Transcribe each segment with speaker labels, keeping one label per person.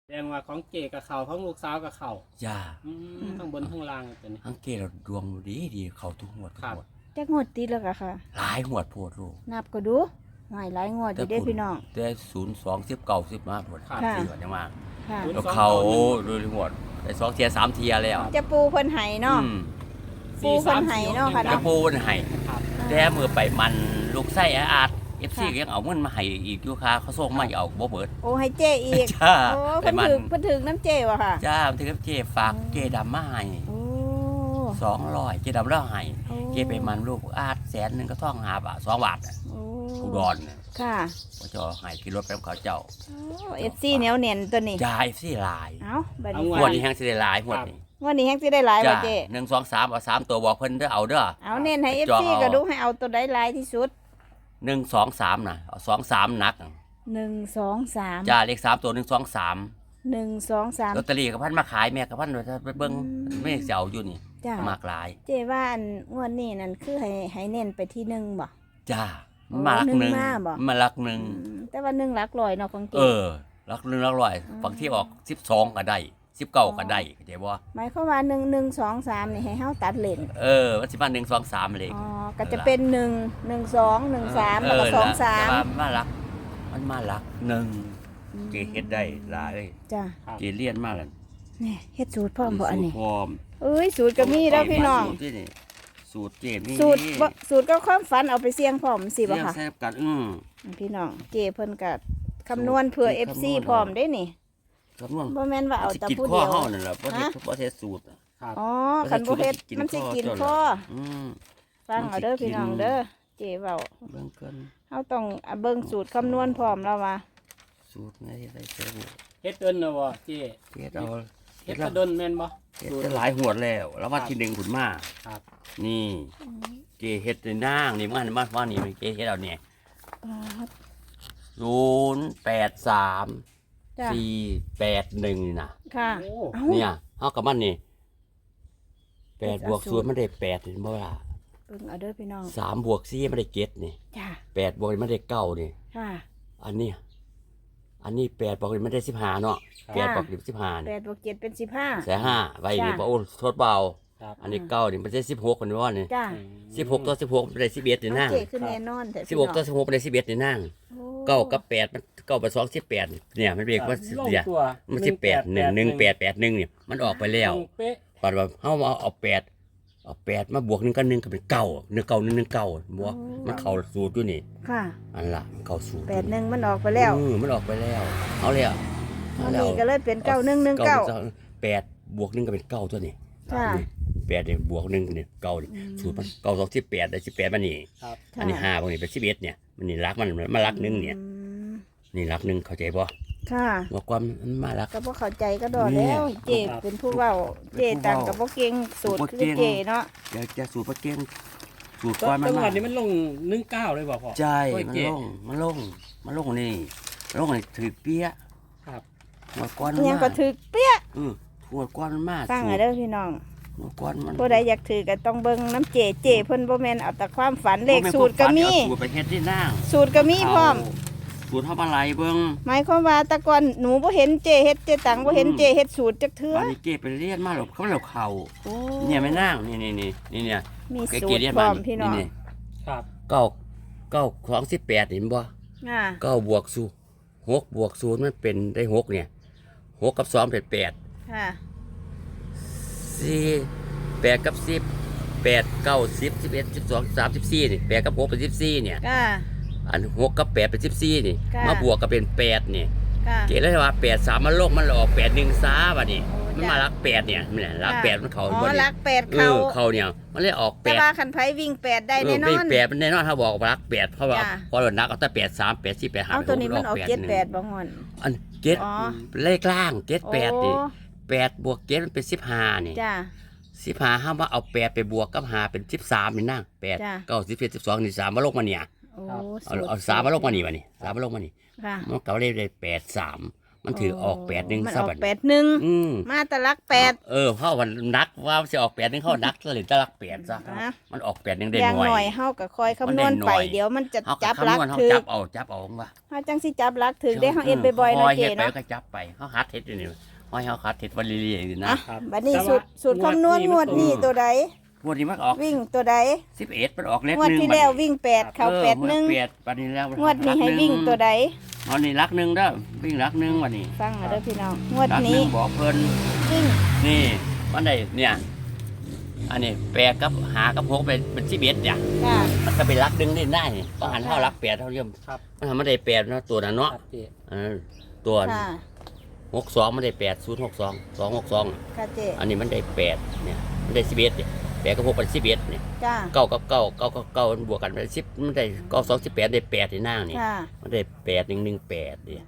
Speaker 1: แสดงว่าของเก๋กับเขาของลูกสาวกับเขา
Speaker 2: จ้า
Speaker 1: ทั้งบนทั้งล่างตัวนี้
Speaker 2: ทั้งเกเราดวงดีเขาทุกงวดทุก
Speaker 1: ครับ
Speaker 2: งวด
Speaker 3: จักงวดติดแล้วก็ค่ะ
Speaker 2: หลายงวดโพดลูก
Speaker 3: นับก็ดูหลายงวดอยู่เด้พี่น้อง
Speaker 2: แต่02 10 9 10มาโพด
Speaker 1: ครับ
Speaker 2: 4วันยังมา
Speaker 3: ค่ะ
Speaker 2: แล้วเขาดูงวดได้2เทีย3เทียแล้ว
Speaker 3: จะปูเพิ่นไห้เนาะ
Speaker 2: อืม
Speaker 3: ปูเพิ่นให้เนาะค่ะ
Speaker 2: กระปูนให้
Speaker 1: ครับ
Speaker 2: แต่มือไปมันลูกไส้อาด FC
Speaker 3: ค่ะ
Speaker 2: ก็ยังเอาเงินมาให้อีกอยู่ค่ะเขาส่งมาเอาบ่เบิด
Speaker 3: โอ้ให้เจ้อีก
Speaker 2: จ้า
Speaker 3: โอ้
Speaker 2: ไป
Speaker 3: เพิ่น
Speaker 2: มัน
Speaker 3: ถึงน้ำเจ้ว่ะค่ะ
Speaker 2: จ้ามันถึงกับเจฝากเจดำมาให้
Speaker 3: โอ้
Speaker 2: 200เจดำแล้วให้
Speaker 3: โอ้
Speaker 2: เจไปมันลูกอาด100,000ก็ท่อง5 บาท2 บาท
Speaker 3: โอ้
Speaker 2: อุดรน่ะ
Speaker 3: ค่ะ
Speaker 2: ว่าจะเอาให้ขี่รถไปกับเขาเจ้า
Speaker 3: โอ้ FC เหนียวแน่นตัวนี้
Speaker 2: จ่า FC หลาย
Speaker 3: เอ้าบัดนี้
Speaker 2: งวดนี้แฮงสิได้หลายงวดนี้
Speaker 3: งวดนี้แฮงสิได้หลาย
Speaker 2: จ้า
Speaker 3: บ่เจ้
Speaker 2: 1 2 3เอา3ตัวบอกเพิ่นเด้อเอาเด้อ
Speaker 3: เอาเน้นให้
Speaker 2: จอง
Speaker 3: FC
Speaker 2: เอา
Speaker 3: ก็ดูให้เอาตัวใดหลายที่สุด
Speaker 2: 1 2 3น่ะเอา2 3หนัก
Speaker 3: 1 2 3
Speaker 2: จ้าเลข3ตัว1 2 3
Speaker 3: 1 2 3
Speaker 2: ลอตเตอรี่กับพันมาขายแม่กับพันไปเบิ่งไม่สิเอาอยู่นี่
Speaker 3: จ้าม
Speaker 2: ากหลาย
Speaker 3: เจ้ว่าอันงวดนี้นั่นคือให้เน้นไปที่หนึ่งบ่
Speaker 2: จ้า
Speaker 3: โอ้
Speaker 2: มาลัก
Speaker 3: ห
Speaker 2: ห
Speaker 3: นึ่
Speaker 2: นึ่
Speaker 3: ง
Speaker 2: ง
Speaker 3: มาบ่
Speaker 2: มาลักหนึ่ง
Speaker 3: แต่ว่าหนึ่งหลักร้อยเนาะของเจ้
Speaker 2: ลักหนึ่งลักร้อยฝั่งที่ออก12ก็ได้19ก็ได้เข้าใจบ่
Speaker 3: หมายความว่า1 2 3นี่ให้เฮาตัดเลน
Speaker 2: มันสิมา1 2 3เลย
Speaker 3: อ๋อก็จะเป็น1 1 2 1 3แล้วก็2
Speaker 2: แต่ว่า
Speaker 3: 3
Speaker 2: มาลักมันมาลักหนึ่งเกเฮ็ดได้หลาย
Speaker 3: จ้ะ
Speaker 2: เกเลียนมาแล้ว
Speaker 3: นี่เฮ็ดสูตรพร้อมบ่อันนี้
Speaker 2: พร้อม
Speaker 3: เอ้ยสูตรก็มีแล้วพี่น้อง
Speaker 2: สูตรที่นี่สูตรเกมี
Speaker 3: สูตรบ่สูตรก็ความฝันเอาไปเสี่ยงพร้อมสิบ่ค่ะ
Speaker 2: แซ่บกัน
Speaker 3: พี่น้องเจ้เพิ่นก็คำนวณเผื่อ FC พร้อมได้นี่
Speaker 2: คำนวณ
Speaker 3: บ่แม่นว่าเอาแต่
Speaker 2: กิน
Speaker 3: ผู้
Speaker 2: ข้อ
Speaker 3: เดียว
Speaker 2: เฮานั่นล่ะบ่เฮ็ด
Speaker 3: ฮะ
Speaker 2: บ่เฮ็ดสูตร
Speaker 1: ครับ
Speaker 3: อ๋อคันบ่เฮ็ดมันสิกินคอ
Speaker 2: อืม
Speaker 3: ฟังเอาเด้อพี่น้องเด้อเจ๊เว้า
Speaker 2: เบิ่งกัน
Speaker 3: เฮาต้องเบิ่งสูตรคำนวณพร้อมแล้วว่า
Speaker 2: สูตรไหนได้เสร็จ
Speaker 1: เฮ็ดเดินนะบ่เก๋
Speaker 2: เฮ็ดเอา
Speaker 1: เฮ็ดกระดนแม่นบ่
Speaker 2: เฮ็ดจะหลายหวดแล้ว แล้ววันที่หนึ่งผุนมา
Speaker 1: ครับ
Speaker 2: นี่เกเฮ็ดในนางนี่มันว่านี่เกเฮ็ดเอาเนี่ย083
Speaker 3: จ้ะ
Speaker 2: 481นี่นะ
Speaker 3: ค่ะ
Speaker 1: โอ้
Speaker 3: เอ้า
Speaker 2: เนี่ยเฮากับมันนี่8บวก0มันได้8เห็นบ่ล่ะ
Speaker 3: เบิ่งเอาเด้อพี่น้อง
Speaker 2: 3บวก4มันได้7นี่
Speaker 3: จ้ะ
Speaker 2: 8บวกมันได้9นี่
Speaker 3: ค่ะ
Speaker 2: อันนี้8บวกมันได้15เนาะ8บวก15นี่
Speaker 3: 8บวก7เป็น15
Speaker 2: แสนห้าไว้นี่
Speaker 3: จ้ะ
Speaker 2: บ่โอ้ทดเบา
Speaker 1: ครับ
Speaker 2: อันนี้9นี่มันได้16มันว่านี่
Speaker 3: จ้ะ
Speaker 2: 16ต่อ16มันได้11นี่
Speaker 3: เอา
Speaker 2: นาง
Speaker 3: เจ๊คือแน่นอนแต่พี่
Speaker 2: 16ต่อ16มันได้11นี่นาง
Speaker 3: โอ้
Speaker 2: 9กับ8มัน9กับ2 18เนี่ยมันเรียกว่า
Speaker 1: ลง
Speaker 2: เนี่ย
Speaker 1: ตัว
Speaker 2: มัน18 1 1 8 8 1เนี่ยมันออกไปแล้ว
Speaker 1: เป๊ะ
Speaker 2: ก่อนว่าเฮาเอา8มาบวก1กับ1ก็เป็น9 1 9 1 1 9บ่มันเข้าสูตรอยู่นี่
Speaker 3: ค่ะ
Speaker 2: อันล่ะมันเข้าสูตร
Speaker 3: 81มันออกไปแล้ว
Speaker 2: มันออกไปแล้วเอาแล้ว
Speaker 3: วันนี้ก็เลยเป็น9119
Speaker 2: 8บวก1ก็เป็น9ตัวนี้
Speaker 3: ค่ะ
Speaker 2: 8เนี่ยบวก1เนี่ย9นี่สูตรมัน9 2 18ได้18มานี่
Speaker 1: ครับ
Speaker 2: อันนี้5พวกนี้เป็น11เนี่ยมันนี่รักมันมารัก1เนี่ย
Speaker 3: อืม
Speaker 2: นี่รัก1เข้าใจบ่
Speaker 3: ค่ะ
Speaker 2: บอกความมันมารัก
Speaker 3: ก็บ่เข้าใจก็ดอแล้วเจ๊เป็นผู้เว้าเจ๊ต่างกับบ่เก่งสูตรคือเจ๊เนาะ
Speaker 2: อยากจะสูตรปลาเก้งสูตร
Speaker 1: ก็
Speaker 2: ก้อนมัน
Speaker 1: จังห
Speaker 2: มา
Speaker 1: วัดนี้มันลง19เลยบ่พ่อ
Speaker 2: ใช่
Speaker 1: โอ้ย
Speaker 2: มัน
Speaker 1: เจ๊
Speaker 2: ลงนี่ลงนี่ถือเปี้ย
Speaker 1: ครับ
Speaker 2: หัวก้อนมัน
Speaker 3: ยัง
Speaker 2: มา
Speaker 3: ก็ถึกเปี้ย
Speaker 2: หัวก้อนมันมา
Speaker 3: ฟังเอาเด้อพี่น้อง
Speaker 2: หัวก้อนมัน
Speaker 3: ผู้ใดอยากถือก็ต้องเบิ่งน้ำเจเจเพิ่นบ่แม่นเอาแต่ความฝันเลขสูตรก็มี
Speaker 2: สูตรไปเฮ็ดที่นั่ง
Speaker 3: สูตรก็มีพร้อม
Speaker 2: สูตรเฮามาไหลเบิ่ง
Speaker 3: หมายความว่าแต่ก่อนหนูบ่เห็นเจเฮ็ดเจตังบ่เห็นเจเฮ็ดสูตรจักเทื่อ
Speaker 2: อันนี้เก็บไปเรียนมาหรอกเขาแล้วเข้า
Speaker 3: โอ้
Speaker 2: เนี่ยไม่นั่งนี่เนี่ย
Speaker 3: มี
Speaker 2: เก็
Speaker 3: สูตร
Speaker 2: เรียน
Speaker 3: พร้
Speaker 2: มา
Speaker 3: อมพี่น้อง
Speaker 2: นี่
Speaker 1: ครับ
Speaker 2: 9ของ18เห็นบ่
Speaker 3: อ่า
Speaker 2: 9บวก0 6บวก0มันเป็นได้6เนี่ย6กับ2เป็น8
Speaker 3: ค่ะ
Speaker 2: 8กับ10 8 9 10 11 12 13 14นี่8กับ6เป็น14เนี่ย
Speaker 3: ค่ะ
Speaker 2: อัน6กับ8เป็น14นี่
Speaker 3: ค่ะ
Speaker 2: มาบวกก็เป็น8นี่
Speaker 3: ค่ะ
Speaker 2: เกเลยว่า8 3มันลงมันออก8 1ซาบัดนี้
Speaker 3: โอ้
Speaker 2: มัน
Speaker 3: จ้ะ
Speaker 2: มารัก8เนี่ยนี่แหละรัก8มันเข้า
Speaker 3: อ๋อ
Speaker 2: บ่นี่
Speaker 3: รัก8เข้า
Speaker 2: เข้าเนี่ยมันเลยออก
Speaker 3: แต่ว่า
Speaker 2: 8
Speaker 3: คันไผวิ่ง8ได้แน่นอน
Speaker 2: 8มันแน่นอนถ้าบอกว่ารัก8เพราะว่า
Speaker 3: จ้ะ
Speaker 2: พอเรานักเอาแต่8 3 8 4 8 5
Speaker 3: เอาตัวนี้มันออก
Speaker 2: 8
Speaker 3: 78บ่งอน
Speaker 2: อัน
Speaker 3: อ๋อ
Speaker 2: 7เลขล่าง7 8นี่
Speaker 3: โอ้
Speaker 2: 8บวก7มันเป็น15นี่
Speaker 3: จ้า
Speaker 2: 15ห้ามว่าเอา8ไปบวกกับ5เป็น13นี่นั่ง8
Speaker 3: จ้ะ
Speaker 2: 9 10 11 12นี่3มาลงมาเนี่ย
Speaker 3: โอ้
Speaker 2: เอา3มาลงมานี่มานี่3มาลงมานี่
Speaker 3: ค่ะ
Speaker 2: มันก็เลยได้8 3 มันถือออก8 1
Speaker 3: มัน
Speaker 2: ซะ
Speaker 3: ออ
Speaker 2: บั
Speaker 3: ก
Speaker 2: ด
Speaker 3: 81มาแตะลัก8
Speaker 2: เพราะวันนักว่าสิออก8 1เข้านักเลยจะรัก8ซะ
Speaker 3: นะ
Speaker 2: มันออก8 1ได้
Speaker 3: อย่าง
Speaker 2: หน่
Speaker 3: หน่
Speaker 2: อ
Speaker 3: อย
Speaker 2: ย
Speaker 3: เฮาก็คอยคำนวณ
Speaker 2: มันได้หน่
Speaker 3: ไป
Speaker 2: อย
Speaker 3: เดี๋ยวมันจะ
Speaker 2: เฮา
Speaker 3: จับ
Speaker 2: คำ
Speaker 3: ลัก
Speaker 2: นวณเฮา
Speaker 3: ถึก
Speaker 2: จับเอาว่า
Speaker 3: เฮาจังสิจับลักถึกได้เฮาเอ็ดบ่อยๆ
Speaker 2: ค
Speaker 3: นะ
Speaker 2: อย
Speaker 3: เจ
Speaker 2: เฮ็ดไป
Speaker 3: เนาะ
Speaker 2: ก็จับไปเฮาหัดเฮ็ดอยู่นี่ห้อยเฮาหัดเฮ็ดวันเรื่อยๆอยู่นะ
Speaker 3: อ่ะ
Speaker 1: ครับ
Speaker 3: บัดนี้
Speaker 1: แต่
Speaker 3: สูตรคำนวณงวดนี้ตัวใด
Speaker 2: งวดนี้มันออก
Speaker 3: วิ่งตัวใด
Speaker 2: 11มันออกเลข
Speaker 3: งวด
Speaker 2: 1
Speaker 3: ที่แล้ววิ่ง8เข้า8 1
Speaker 2: 8บัดนี้แล้ว
Speaker 3: งวดนี้ให้วิ่งตัวใด
Speaker 2: วันนี้รัก1เด้อวิ่งรัก1วันนี้
Speaker 3: ฟังเอาเด้อพี่น้องงวด
Speaker 2: รัก
Speaker 3: นี้
Speaker 2: 1บอกเพิ่น
Speaker 3: วิ่ง
Speaker 2: นี่มันได้เนี่ยอันนี้8กับ5กับ6เป็น11เนี่ย
Speaker 3: จ้า
Speaker 2: มันก็เป็นรัก1ได้นี่ต้องหันเท่ารัก8เท่าเดิม
Speaker 1: ครับ
Speaker 2: มันทำมันได้8เนาะตัวนั้น
Speaker 1: ค
Speaker 2: เนาะ
Speaker 1: รับเจ
Speaker 2: ตัว
Speaker 3: ค่ะ
Speaker 2: 62มันได้8 062 262
Speaker 3: ค่ะเจ
Speaker 2: อันนี้มันได้8เนี่ยมันได้11เนี่ย8กับ6เป็น11เนี่ย
Speaker 3: จ้า
Speaker 2: 9กับ9 9กับ9มันบวกกันเป็น10มันได้9 2 18ได้8ที่นางนี่
Speaker 3: ค่ะ
Speaker 2: มันได้8 1 1 8นี่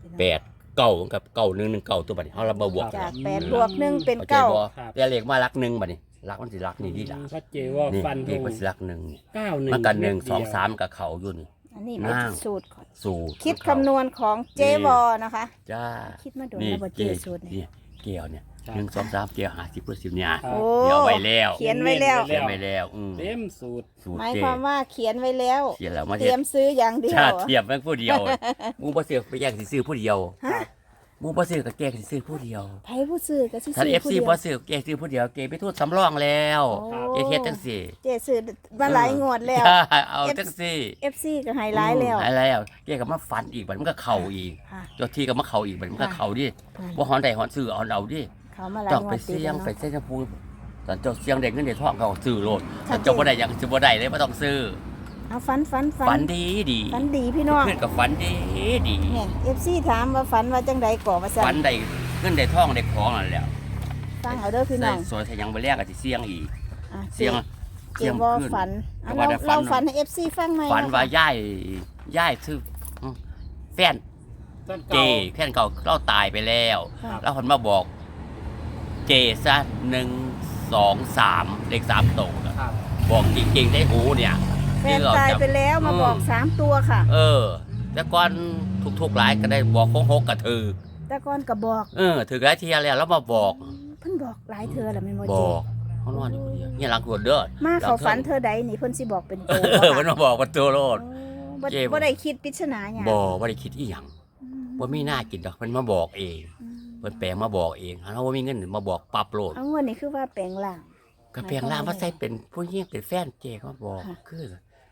Speaker 2: 8 9กับ9 1 1 9ตัวบัดนี้เฮาเรามาบวก
Speaker 3: จาก8บวก1เป็น
Speaker 2: เข้าใจบ่
Speaker 3: 9
Speaker 2: แต่เลขมารัก1บัดนี้รักมันสิรักนี่ดีล่ะ
Speaker 1: ชัดเจนว่า
Speaker 2: นี่
Speaker 1: ฟัน
Speaker 2: เล
Speaker 1: ธ
Speaker 2: ข
Speaker 1: ง
Speaker 2: มันสิรัก1นี่
Speaker 1: 91
Speaker 2: มันกัน
Speaker 1: เม็ด
Speaker 2: 1
Speaker 1: เดียว
Speaker 2: 2 3กับเขาอยู่นี่
Speaker 3: อันนี้เป็น
Speaker 2: นาง
Speaker 3: สูตรของ
Speaker 2: สูตร
Speaker 3: คิดคำนวณของเจวอนะคะ
Speaker 2: จ้า
Speaker 3: คิดมาโดน
Speaker 2: นี่
Speaker 3: แล้วบ่เจ
Speaker 2: เจ
Speaker 3: สูตรนี่
Speaker 2: นี่เกี่ยวเนี่ย
Speaker 1: ครับ
Speaker 2: 1 2 3เกี่ยว50%เนี่ย
Speaker 1: ครับ
Speaker 3: โอ้
Speaker 2: เดี๋ยวไว้แล้ว
Speaker 3: เขียนไว้แล้ว
Speaker 2: เขียนไว้แล้ว
Speaker 1: เต็มสูตร
Speaker 2: สูตร
Speaker 3: หมาย
Speaker 2: เจ
Speaker 3: ความว่าเขียนไว้แล้ว
Speaker 2: เขียนแล้วมา
Speaker 3: เตรียมซื้ออย่างเดียว
Speaker 2: ชาติเทียบแม่งผู้เดียวมูบ่ซื้อไปแย่งสิซื้อผู้เดียว
Speaker 3: ฮะ
Speaker 2: มูบ่ซื้อก็แกล้งสิซื้อผู้เดียว
Speaker 3: ไผผู้ซื้อก็สิ
Speaker 2: ท่าน
Speaker 3: ซื้อผู้
Speaker 2: FC
Speaker 3: เดียว
Speaker 2: บ่ซื้อแกล้งซื้อผู้เดียวเกไปทูดสำรองแล้ว
Speaker 3: โอ้
Speaker 2: เกเฮ็ดจังซี่
Speaker 3: เจซื้อมาหลายงวดแล้ว
Speaker 2: จ้าเอาจังซี่
Speaker 3: FC ก็ให้หลายแล้ว
Speaker 2: หายแล้วเกก็มาฝันอีกบัดมันก็เข้าอีก
Speaker 3: ค่ะ
Speaker 2: เจ้าที่ก็มาเข้าอีกบัดมันก็เข้าดิ
Speaker 3: ค่ะ
Speaker 2: บ่ฮอนได้ฮอนซื้อเอาดิ
Speaker 3: เขามาหลาย
Speaker 2: ต้อง
Speaker 3: งว
Speaker 2: ไป
Speaker 3: ดติด
Speaker 2: เสี่ยง
Speaker 3: แล้ว
Speaker 2: ไป
Speaker 3: เนาะ
Speaker 2: เสี่ยงพูตอนเจ้าเสี่ยงได้เงินได้ทองเขาก็ซื้อโลด
Speaker 3: ชั
Speaker 2: ถ้า
Speaker 3: ดเจน
Speaker 2: เจ้าบ่ได้หยังสิบ่ได้เลยบ่ต้องซื้อ
Speaker 3: เอาฝัน
Speaker 2: ฝันดีดี
Speaker 3: ฝันดีพี่น้อง
Speaker 2: เพื่อนก็ฝันดีดี
Speaker 3: เนี่ย FC ถามว่าฝันว่าจังใดก่อว่าซั่
Speaker 2: ฝั
Speaker 3: น
Speaker 2: นได้เงินได้ทองได้ของนั่นแหล้ว
Speaker 3: ฟังเอาเด้อพี่น้อง
Speaker 2: สวยถ้ายังบ่แลกก็สิเสี่ยงอีก
Speaker 3: อ่ะ
Speaker 2: เสี่ยง
Speaker 3: เจวอฝันอ่ะ
Speaker 2: แต่ว่าได้
Speaker 3: เรา
Speaker 2: ฝัน
Speaker 3: ฝันให้ FC ฟังไหม
Speaker 2: ฝันว่าย่ายซื้อแฟน
Speaker 1: ต้น
Speaker 2: เจ
Speaker 1: เก่า
Speaker 2: แฟนเก่าเราตายไปแล้ว
Speaker 3: ค่ะ
Speaker 2: แล้วคนมาบอกเจซะ1 2 3เลข3ตัวน่ะ
Speaker 1: ครับ
Speaker 2: บอกจริงๆได้หูเนี่ย
Speaker 3: แฟนตายไปแล้วมาบอก3ตัวค่ะ
Speaker 2: แต่ก่อนทุกๆหลายก็ได้บอกของ6ก็ถือ
Speaker 3: แต่ก่อนก็บอก
Speaker 2: ถือหลายเที่ยแล้วแล้วมาบอก
Speaker 3: เพิ่นบอกหลายเธอแล้วแม่นบ่
Speaker 2: บ
Speaker 3: เจ
Speaker 2: อกเขานอนอยู่คนเดียวเนี่ยหลังขวดเด้อ
Speaker 3: มาเขาฝันเธอใดนี่เพิ่นสิบอกเป็นตัว
Speaker 2: มันมาบอกว่าตัวโลด
Speaker 3: บ่
Speaker 2: เจ๊
Speaker 3: บ่ได้คิดปริศนาหยัง
Speaker 2: บ่ได้คิดอีหยังว่ามีหน้ากินดอกมันมาบอกเอง
Speaker 3: อืม
Speaker 2: เพิ่นแปลงมาบอกเองถ้าว่ามีเงินมาบอกปรับโลด
Speaker 3: เอางวดนี้คือว่าแปลงร่าง
Speaker 2: ก็แปลงร่างว่าใส่เป็นผู้หญิงเป็นแฟนเจเขามาบอก
Speaker 3: ค่ะ
Speaker 2: คือ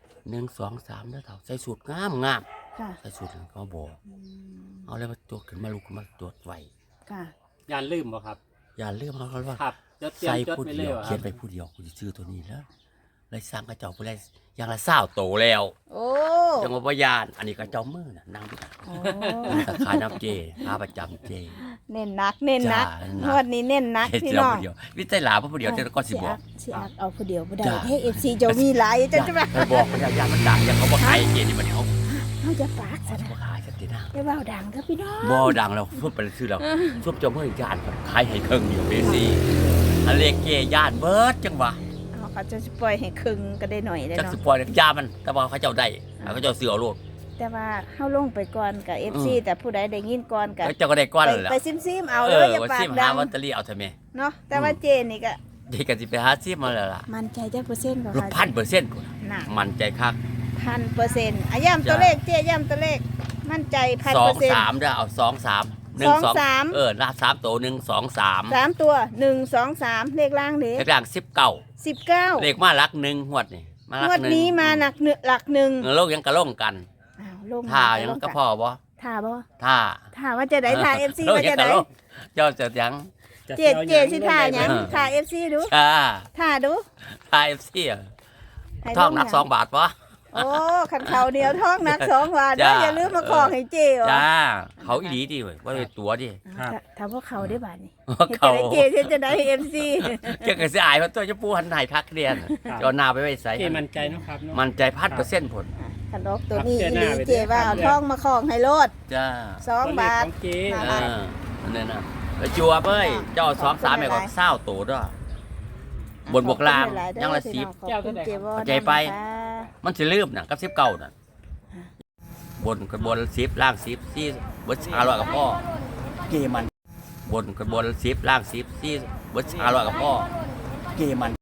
Speaker 2: 1 2 3แล้วเท่าใส่สูตรงาม
Speaker 3: ค่ะ
Speaker 2: ใส่สูตรเขาบอก
Speaker 3: อืม
Speaker 2: เอาเลยมาตรวจขึ้นมาลุกขึ้นมาตรวจไว้
Speaker 3: ค่ะ
Speaker 1: ยานลืมบ่ครับ
Speaker 2: อย่าลืมเขาว่า
Speaker 1: ครับจดเตรียม
Speaker 2: ใส่
Speaker 1: จด
Speaker 2: ผู้
Speaker 1: ไป
Speaker 2: เดี
Speaker 1: เลย
Speaker 2: ยว
Speaker 1: วะค
Speaker 2: เขีย
Speaker 1: รั
Speaker 2: น
Speaker 1: บ
Speaker 2: ไปผู้เดียวกูจะซื้อตัวนี้แล้วเลยสร้างกระเจ้าไปเลยอย่างละ20โตแล้ว
Speaker 3: โอ้
Speaker 2: จังหวะพยานอันนี้กระเจ้ามือน่ะนางดู
Speaker 3: โอ้
Speaker 2: ตะขายน้ำเจค้าประจำเจ
Speaker 3: เน้นหนักเน้นหนัก
Speaker 2: จ้าเน้นหนัก
Speaker 3: งวดนี้เน้นหนัก
Speaker 2: เฮ็ด
Speaker 3: พี่
Speaker 2: เจ้า
Speaker 3: น้อง
Speaker 2: ผู้เดียววิจัยหลาผู้เดียวเจ้าก็สิบอก
Speaker 3: สิอักเอาผู้เดียวบ่ได้
Speaker 2: จ้า
Speaker 3: เฮ้ FC เจ้ามีหลายจังจะว่า
Speaker 2: ไปบอกพยายามมันดังอย่างเขาบอกขายเจนี่มันเขา
Speaker 3: เฮาจะปากซะ
Speaker 2: เขา
Speaker 3: นะ
Speaker 2: บอกขายสักทีนะ
Speaker 3: อย่าเว้าดังเด้อพี่น้อง
Speaker 2: บ่ดังแล้วทุบไปซื้อแล้วทุบเจ้าเมื่อยานขายให้เครื่องอยู่เบซี่อันเลขเจย่านเบิดจังหวะ
Speaker 3: เอาเขาจะปล่อยให้ครึ่งก็ได้หน่อยได้
Speaker 2: จัก
Speaker 3: เนาะ
Speaker 2: สิปล่อยยามันแต่ว่าเขาเจ้าได้เขาเจ้าซื้อเอาโลด
Speaker 3: แต่ว่าเฮาลงไปก่อนกับ FC แต่ผู้ใดได้ยินก่อนก็
Speaker 2: แล้วเจ้าก็ได้ก้อนแล้ว
Speaker 3: ไปซิมๆเอาเลยอย่า
Speaker 2: ว่า
Speaker 3: ปา
Speaker 2: ซิ
Speaker 3: ก
Speaker 2: ม
Speaker 3: ดั
Speaker 2: หาง ลอตเตอรี่เอาเถอะแม่
Speaker 3: เนาะแต่ว่าเจนี่ก็
Speaker 2: เด็กก็สิไปหาซิมมาแล้วล่ะ
Speaker 3: มั่นใจจักเปอร์เซ็นต์บ่
Speaker 2: รูป
Speaker 3: คะ
Speaker 2: 1,000%พุ่น
Speaker 3: น่ะ
Speaker 2: มั่นใจคัก
Speaker 3: 1,000%อ่ะย้ำตัวเลขเจย้ำตัวเลขมั่นใจ 1,000%
Speaker 2: 2 3เด้อเอา2 3 1
Speaker 3: 2
Speaker 2: 2
Speaker 3: 3
Speaker 2: ลา3ตัว1 2 3
Speaker 3: 3ตัว1 2 3เลขล่างเด้
Speaker 2: เลขล่าง19
Speaker 3: 19
Speaker 2: เลขมาหลัก1งวดนี่มาหลั
Speaker 3: ง
Speaker 2: ก
Speaker 3: วด
Speaker 2: 1
Speaker 3: นี้มาหนักหลักหนึ่ง
Speaker 2: โลกยังกระล่งกัน
Speaker 3: อ้าวลง
Speaker 2: ท่ายังก็พอบ่
Speaker 3: ท่าบ่
Speaker 2: ท่า
Speaker 3: ท่าว่าจะได้ท่า FC
Speaker 2: โลก
Speaker 3: ว่า
Speaker 2: ยั
Speaker 3: จะ
Speaker 2: งกระ
Speaker 3: ได้
Speaker 2: ล่งเจ้าจะยัง
Speaker 1: จะ
Speaker 3: เจ
Speaker 1: สียว
Speaker 3: สิท่าหยัง
Speaker 2: เออ
Speaker 3: ท่า FC ดู
Speaker 2: จ้า
Speaker 3: ท่าดู
Speaker 2: ท่า FC อ่ะ
Speaker 3: ให้
Speaker 2: ทองหนัก
Speaker 3: ลหยั
Speaker 2: 2 บาทบ่
Speaker 3: โอ้ขันเขาเดียวท้องหนัก2บาท
Speaker 2: จ้า
Speaker 3: อย่าลืมมาขอให้เจวะ
Speaker 2: จ้าเขาอีหลีดิเว้ยว่าเป็นตัวดิ
Speaker 3: ถ้าพวกเขาได้บาทนี่
Speaker 2: เขา
Speaker 3: เจเฮ็ดจะได้ FC
Speaker 2: เจ้าก็สิอายเพราะตัวจะปูหันไหนคักเรียนเจ้าหน้าไปไว้ใส่
Speaker 1: เจมั่นใจเนาะครับเนาะ
Speaker 2: มันใจ1,000%ผล
Speaker 3: ขันดอกตัวนี้
Speaker 1: ครับ
Speaker 3: อีหลี
Speaker 1: เจ
Speaker 3: เจ
Speaker 1: หน้า
Speaker 3: ว่า
Speaker 1: ไป
Speaker 3: เอา
Speaker 1: ด้วย
Speaker 3: ท้องมาของให้โลด
Speaker 2: จ้า
Speaker 3: 2 บาท
Speaker 1: ตัวเลขของเจ
Speaker 3: ค่ะ
Speaker 2: อันนั้นน่ะไปจัวเบ้ยเจ้า2 3แม่ก็เศร้าโตด้วย บนบวกล่างยังละ10
Speaker 3: ขอบคุณเจวอ
Speaker 2: เข้าใจไป
Speaker 3: นะคะ
Speaker 2: มันสิลืมน่ะกับ19น่ะบน10ล่าง10 4บน500กับพ่อเกมันบน10ล่าง10ที่บน500กับพ่อเกมัน